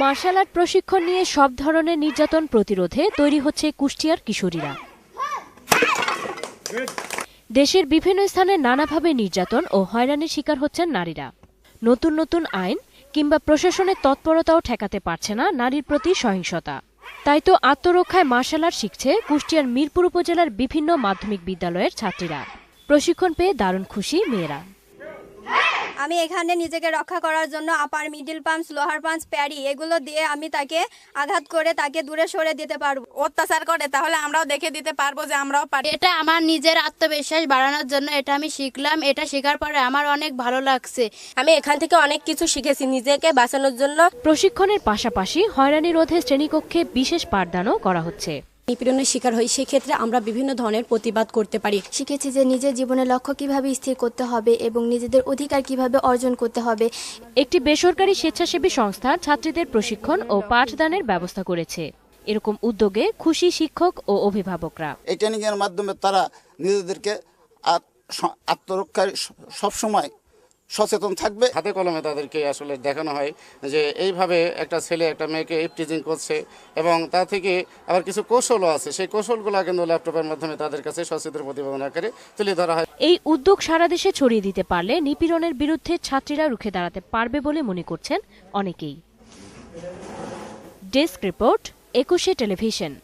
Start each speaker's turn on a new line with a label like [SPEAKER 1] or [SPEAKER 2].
[SPEAKER 1] Martial art প্রশিক্ষণ নিয়ে সব ধরনের নির্যাতন প্রতিরোধে তৈরি হচ্ছে কুষ্টিয়ার কিশোরীরা। দেশের বিভিন্ন স্থানে নানাভাবে নির্যাতন ও হয়রানির শিকার হচ্ছেন নারীরা। নতুন নতুন আইন কিংবা প্রশাসনের তৎপরতাও ঠেকাতে পারছে না নারীর প্রতি সহিংসতা। তাই তো আত্মরক্ষায় মার্শাল আর্ট শিখছে কুষ্টিয়ার মিরপুর উপজেলার বিভিন্ন মাধ্যমিক বিদ্যালয়ের ছাত্রীরা। প্রশিক্ষণ পেয়ে দারুণ খুশি মেয়েরা।
[SPEAKER 2] আমি এখানে নিজেকে রক্ষা করার জন্য upper middle punch, lower punch, parry এগুলো দিয়ে আমি তাকে আঘাত করে তাকে দূরে সরে দিতে পারবো।
[SPEAKER 3] অত্যাচার করে তাহলে আমরাও দেখে দিতে পারবো যে আমরাও পারি।
[SPEAKER 4] এটা আমার নিজের আত্মবিশ্বাস বাড়ানোর জন্য এটা আমি শিখলাম। এটা শেখার পরে আমার অনেক ভালো লাগছে।
[SPEAKER 5] আমি এখান থেকে অনেক কিছু শিখেছি নিজেকে বাঁচানোর জন্য।
[SPEAKER 1] প্রশিক্ষণের পাশাপাশি হয়রানি রোধে শ্রেণীকক্ষে বিশেষ পাঠদানও করা হচ্ছে।
[SPEAKER 6] নিপীড়নের শিকার হই, সেক্ষেত্রে আমরা বিভিন্ন ধরনের প্রতিবাদ করতে পারি।
[SPEAKER 7] শিখেছি যে নিজের জীবনের লক্ষ্য কিভাবে স্থির করতে হবে এবং নিজেদের অধিকার কিভাবে অর্জন করতে হবে।
[SPEAKER 1] একটি বেসরকারি স্বেচ্ছাসেবী সংস্থা ছাত্রীদের প্রশিক্ষণ ও পাঠদানের ব্যবস্থা করেছে। এরকম উদ্যোগে খুশি শিক্ষক ও অভিভাবকরা।
[SPEAKER 8] এই ট্রেনিংয়ের মাধ্যমে তারা নিজেদেরকে আত্মরক্ষায় সবসময় সচেতন থাকবে।
[SPEAKER 9] হাতে কলমে তাদেরকে আসলে দেখানো হয় যে এইভাবে একটা ছেলে একটা মেয়েকে ইফটিজিং করছে এবং তা থেকে আবার কিছু কৌশলও আছে। সেই কৌশলগুলো কিন্তু ল্যাপটপের মাধ্যমে তাদের কাছে সচিত্র প্রতিবেদন আকারে তুলে ধরা হয়।
[SPEAKER 1] এই উদ্যোগ সারা দেশে ছড়িয়ে দিতে পারলে নিপীড়নের বিরুদ্ধে ছাত্রীরা রুখে দাঁড়াতে পারবে বলে মনে করছেন অনেকেই। Desk report, 21 television.